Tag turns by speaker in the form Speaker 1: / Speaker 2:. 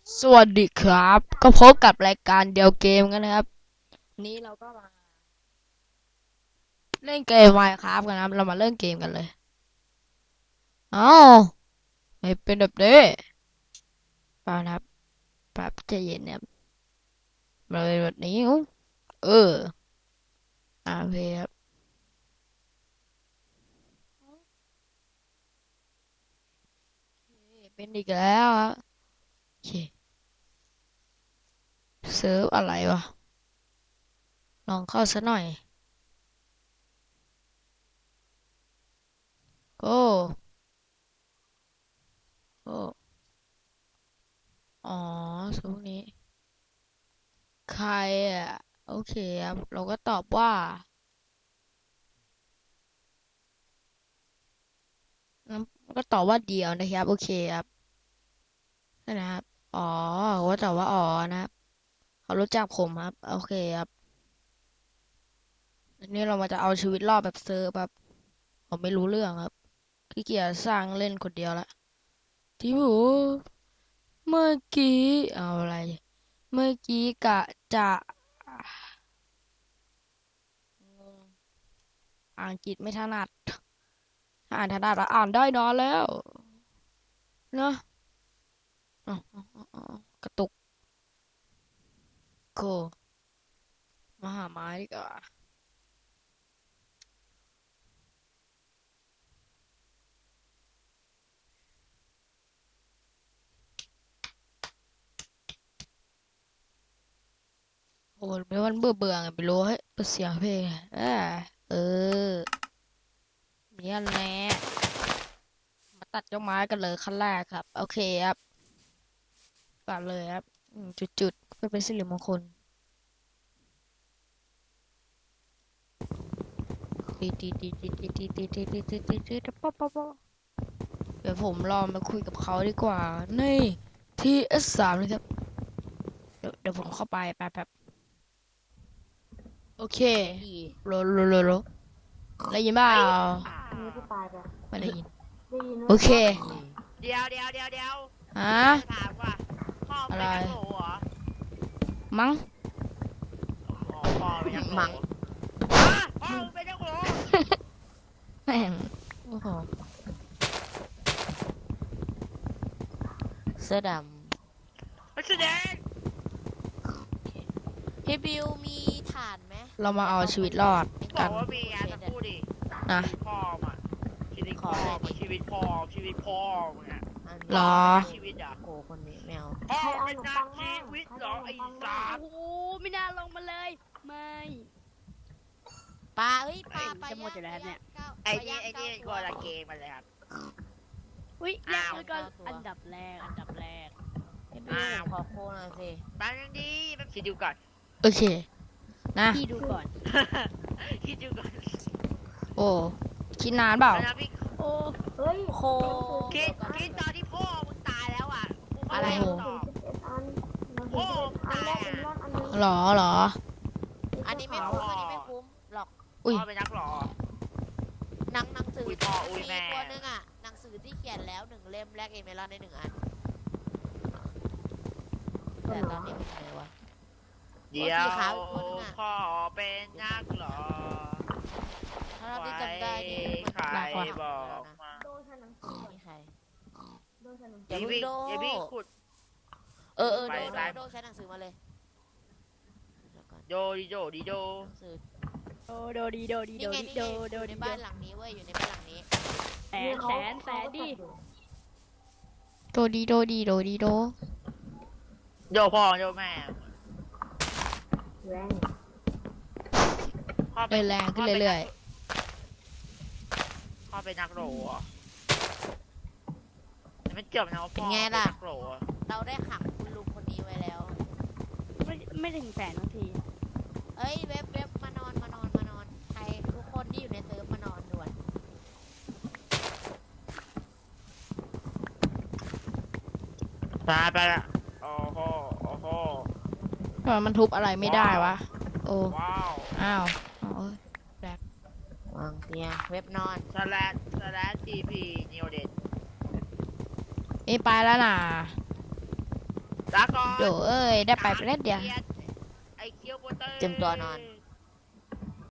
Speaker 1: สวัสดีครับก็พบกับรายการเดียวเกมกันนะครับนี้เราก็มาเล่นเกม Minecraft กันนะครับเรามาเล่นเกมกันเลยเอ้าไม่เป็นแบบนี้เปล่านะครับแบบใจเย็นนะครับมาเป็นแบบนี้อุ๊ยเออโอเคครับเป็นอีกแล้วครับโอเคเซิร์ฟอะไรวะลองเข้าซะหน่อยโอ้โอ้อ๋อช่วงนี้ใครอ่ะโอเคครับเราก็ตอบว่างั้นก็ตอบว่าเดียวนะครับโอเคครับ นะครับอ๋อว่าแต่ว่าอ๋อนะครับเขารู้จักผมครับโอเคครับอันนี้เรามาจะเอาชีวิตรอดแบบเซิร์ฟแบบผมไม่รู้เรื่องครับขี้เกียจสร้างเล่นคนเดียวละที่หูเมื่อกี้เอาอะไรเมื่อกี้กะจะงงอ่านอังกฤษไม่ถนัดถ้าอ่านถนัดแล้วอ่านได้นอนแล้วเนาะกระตุกโกมาหาไม้ดีกว่าโอ้ไม่วันเบื่อเบื่อไงไม่รู้เฮ้ยเปิดเสียงเพลงเออ เนี่ยแหละมาตัดต้นไม้กันเลยขั้นแรกครับโอเคครับตัดเลยครับจุดๆเพื่อเป็นสิริมงคลตีตีตีตีตีตีตีตีตีตีตีตีป๊อปป๊อปป๊อปเดี๋ยวผมลองมาคุยกับเขาดีกว่านี่ที่ S3เลยครับเดี๋ยวผมเข้าไปแบบโอเค
Speaker 2: ดี
Speaker 1: โลได้ยินเปล่า
Speaker 3: อันนี้พี่ปายไป
Speaker 1: ไม่ได้ยิน
Speaker 3: ได้ยินไหม
Speaker 1: โอเค
Speaker 2: เดี๋ยว
Speaker 1: ฮะ
Speaker 2: จะถามว่าพ่อ
Speaker 1: อะไร
Speaker 2: เป็นนักโหเหรอ
Speaker 1: มั้ง
Speaker 2: อ๋อพ่อเป็นนักโห
Speaker 1: มั้ง
Speaker 2: พ่อมึงเป็นนักโห
Speaker 1: แม่งโอ้โหเสื้อด
Speaker 2: นักแสดง
Speaker 3: ำพี่บิวมีฐานไหม
Speaker 1: ำเรามาเอาชีวิตรอด
Speaker 2: บ
Speaker 1: กัน
Speaker 2: อกว่ามีงานจะพูดดิ
Speaker 1: นะ
Speaker 2: ชีวิตพ่อมาชีวิตพ่อมาชีวิตพ่อชีวิตพ่อมึงอะ
Speaker 1: หรอ
Speaker 2: ชีวิตอ่ะ
Speaker 3: โกคนนี้แมว
Speaker 2: พ่อเป็นนักชีวิตเหรอไอ้สัส
Speaker 4: โอ้โหไม่น่าลงมาเลยไม่
Speaker 3: ปลาเอ้ยปลาปลา
Speaker 4: จะหมดอยู่แล้วเนี่ย
Speaker 2: ไอ้นี่ก็ละเกมมาเลยครับ
Speaker 4: อุ้ย
Speaker 2: อ้าว
Speaker 4: แล้วก็อันดับแรก
Speaker 3: พี่บิวขอโคหน่อยสิ
Speaker 2: แป๊บนึงดิแป๊บคิดดูก่อน
Speaker 1: โอเคนะ
Speaker 4: พี่ดูก่อน
Speaker 2: คิดดูก่อน
Speaker 1: โอ้คิดนานเปล่า
Speaker 2: นะพี่
Speaker 4: โอ้
Speaker 3: เฮ้ยโค
Speaker 2: คิดตอนที่พ่อมึงตายแล้วอ่ะกูม่
Speaker 3: อะไร
Speaker 2: ด้ตอบ
Speaker 3: พ่ออันแรกเป็นรอดอันนึง
Speaker 1: หรอ
Speaker 3: อันนี้ไม่คุ้มอันนี้ไม่คุ้มหรอก
Speaker 1: อุ้ย
Speaker 2: พ่อเป็นนักหรอ
Speaker 3: หนังสือ
Speaker 2: อุ้ยพ่ออุ้ยแม่
Speaker 3: มีตัวนึงอ่ะหนังสือที่เขียนแล้ว1 เล่มแลกเอเมลอนได้1 อันแต่ตอนนี้เป็นไงวะ
Speaker 2: เดี๋ยว
Speaker 3: สีขาวอีกตัวนึงอะ
Speaker 2: พ่อเป็นนักหรอ
Speaker 3: ถ้าเราที่จำได้นี่
Speaker 2: ใครบอกมา
Speaker 3: โดนฉันหนังสือมีใครโดนฉันหนังสื
Speaker 2: อย่าพี่อย่าพี่ขุด
Speaker 3: เออ
Speaker 2: ไป
Speaker 3: โดใช้หนังสือมาเลยเดี๋ยวก่อน
Speaker 2: โดดิโดดิโด
Speaker 3: หนังสือ
Speaker 4: โดโดดีโดดี
Speaker 3: นี่
Speaker 4: โด
Speaker 3: ไง
Speaker 4: ดี
Speaker 3: นี่
Speaker 4: โด
Speaker 3: ไง
Speaker 4: โด
Speaker 3: อยู่ใน
Speaker 4: ดี
Speaker 3: บ้านหลังนี้เว้ยอยู่ในบ้านหลังนี้
Speaker 4: แสนดิ
Speaker 1: โดดีโดดีโดดีโด
Speaker 2: โยพ่อโยแม่
Speaker 3: แรง
Speaker 2: พ่อ
Speaker 1: เลยแรงขึ้นเรื่อย
Speaker 2: พ่อเป็นนักโหรอไม่เกี่ยวนะว่าพ่อเป็นนักโหร
Speaker 3: เราได้ขังคุณลุงคนนี้ไว้แล้ว
Speaker 4: ไม่ถึงแสนบางที
Speaker 3: เอ้ยเว็บมานอนใครทุกคนที่อยู่ในเซิร์ฟมานอนด่วน
Speaker 2: ไปละโอ้โหโอ้โห
Speaker 1: ทำไมมันทุบอะไรไม่ได้วะโอ้
Speaker 2: ว้าว
Speaker 1: อ้าว
Speaker 3: วางเตียงเว็บนอน
Speaker 2: สแลชทีพีนิวเด็ด
Speaker 1: นี่ไปแล้วน่ะ
Speaker 2: ลาก่อน
Speaker 1: โดเอ้ยได้ไปเล่นเดียว
Speaker 2: ไอ้เคียวโบเตอร์
Speaker 3: เตรียมตัวนอน